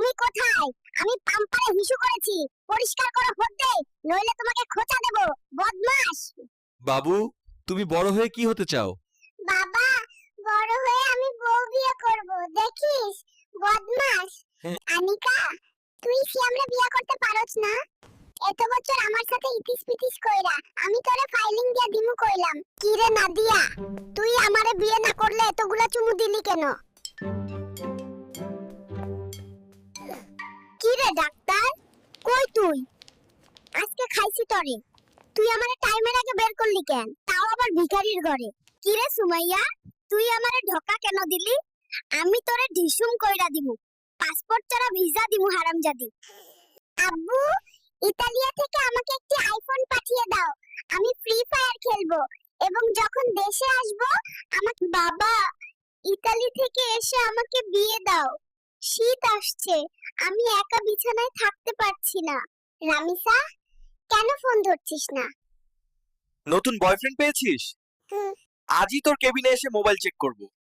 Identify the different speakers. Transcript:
Speaker 1: তুমি কোথায়? আমি পাম্পারে হিসু করেছি, পরিষ্কার করো হতে, নইলে তোমাকে খোঁচা দেব, বদমাশ।
Speaker 2: বাবু, তুমি বড় হয়ে কি হতে চাও?
Speaker 1: বাবা, বড় হয়ে আমি বউ বিয়ে করব, দেখিস, বদমাশ। আনিকা, তুই সিয়ামরে বিয়ে করতে পারছ না? এত বছর আমার সাথে ইতিস পিতিস কইরা আমি তোরে ফাইলিং দিয়া দিমু কইলাম, কি রে নাদিয়া, তুই আমারে বিয়ে না করলে এতগুলা চুমু দিলি কেন? কি রে ডাক্তার, কই তুই? আজকে খাইছি তরে, তুই আমারে টাইমের আগে বের করলি কেন, তাও আবার ভিখারির ঘরে? কি রে সুমাইয়া, তুই আমারে ঢোকা কেন দিলি? আমি তোরে ঢিসুম কইরা দিমু, পাসপোর্ট ছাড়া ভিসা দিমু হারামজাদি। আব্বু, ইতালিয়া থেকে আমাকে একটি আইফোন পাঠিয়ে দাও, আমি ফ্রি ফায়ার খেলবো এবং যখন দেশে আসব আমাকে। বাবা, ইতালি থেকে এসে আমাকে বিয়ে দাও, শীত আসছে, আমি একা বিছানায় থাকতে পারছি না। রামিসা, কেন ফোন ধরছিস না?
Speaker 2: নতুন বয়ফ্রেন্ড পেয়েছিস?
Speaker 1: হুম।
Speaker 2: আজই তোর কেবিনে এসে মোবাইল চেক করব।